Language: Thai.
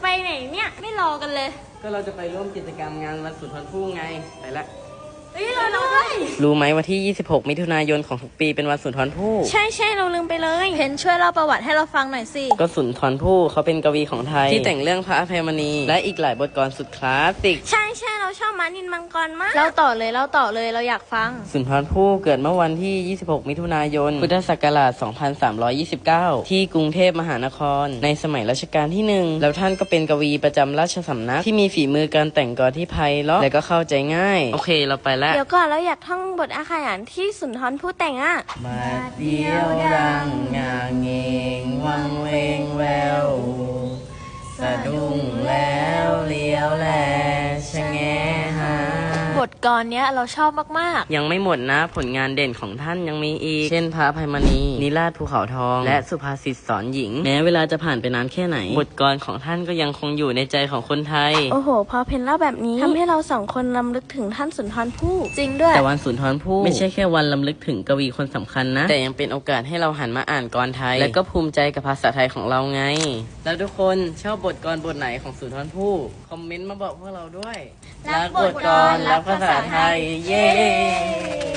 ไหนเนี่ยไม่รอกันเลยก็เราจะไปร่วมกิจกรรมงานวันสุนทรภู่ไงไปละเราด้วยรู้ไหมวันที่ 26 มิถุนายนของทุกปีเป็นวันสุนทรภู่ใช่เราลืมไปเลยเพนช่วยเล่าประวัติให้เราฟังหน่อยสิก็สุนทรภู่เขาเป็นกวีของไทยที่แต่งเรื่องพระอภัยมณีและอีกหลายบทกลสุดคลาสสิกใช่เราชอบม้านินมังกรมากเล่าต่อเลยเราอยากฟังสุนทรภู่เกิดเมื่อวันที่ 26 มิถุนายน พุทธศักราช 2329 ที่กรุงเทพมหานครในสมัยรัชกาลที่ 1 แล้วท่านก็เป็นกวีประจำราชสำนักที่มีฝีมือการแต่งกลที่ไพเราะและก็เข้าใจง่ายโอเคเราไปแล้วเดี๋ยวก่อนเราอยากท่องบทอาขยานที่สุนทรภู่แต่งอ่ะมาเดียวดังงาเงงวังเวงแววสะดุ้งแล้วเลี้ยวแลชะแงหาบทกลเนี้ยเราชอบมากยังไม่หมดนะผลงานเด่นของท่านยังมีอีกเช่นพระอภัยมณีนิราศภูเขาทองและสุภาษิตสอนหญิงแม้เวลาจะผ่านไปนานแค่ไหนบทกลของท่านก็ยังคงอยู่ในใจของคนไทยโอ้โหพอเพนเล่าแบบนี้ทำให้เราสองคนรำลึกถึงท่านสุนทรภู่จริงด้วยแต่วันสุนทรภู่ไม่ใช่แค่วันรำลึกถึงกวีคนสำคัญนะแต่ยังเป็นโอกาสให้เราหันมาอ่านกลไทยและก็ภูมิใจกับภาษาไทยของเราไงแล้วทุกคนชอบบทกลบทไหนของสุนทรภู่คอมเมนต์มาบอกพวกเราด้วยรักบทกลรักภาษาไทยเย้